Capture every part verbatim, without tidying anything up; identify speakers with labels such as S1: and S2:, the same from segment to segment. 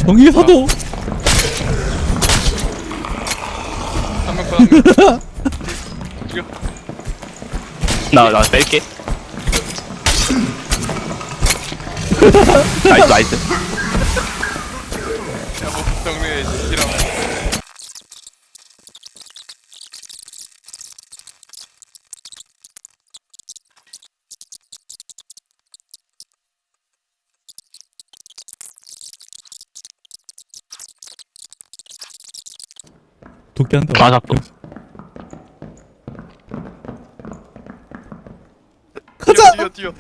S1: 전기 사도.
S2: 한명 더, 한 명. 죽여.
S3: 나, 나 뺄게. 나이스, 나이스.
S2: 야, 뭐, 정리해, 이러면.
S1: 도끼 한다.
S3: 맞아, 또.
S1: 가자.
S2: 뛰어, 뛰어, 뛰어.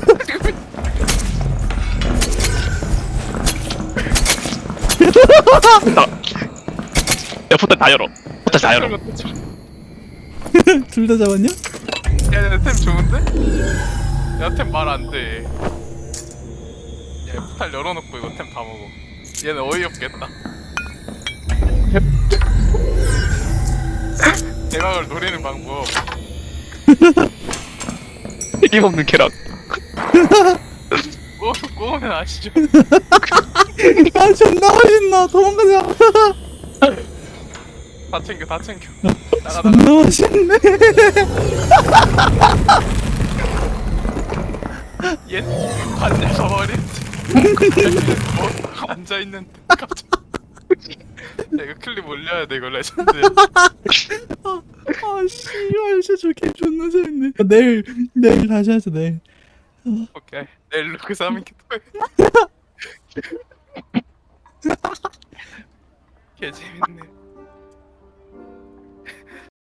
S3: 나. 야, 포탈 다 열어. 포탈 다 열어.
S1: 둘 다 잡았냐?
S2: 야, 야, 템 좋은데? 야, 템 말 안 돼. 야, 포탈 열어놓고 이거 템 다 먹어. 얘는 어이없겠다. 대박을 노리는 방법.
S3: 책임없는 쾌락.
S2: 꼬, 꼬우면 아시죠?
S1: 아 존나 맛있나. 도망가자.
S2: 다 챙겨, 다 챙겨. 나가, 나가.
S1: 존나 맛있네.
S2: 얘 관절 가버렸지. 뭐 앉아있는데 갑자기. 야, 이거 클립 올려야 돼, 이거 레전드.
S1: 아 씨발 진짜 저 게임 존나 재밌네. 내일 내일 다시 하자 내일.
S2: 오케이. 내일 루크 삼인 게 또 해. 개 재밌네.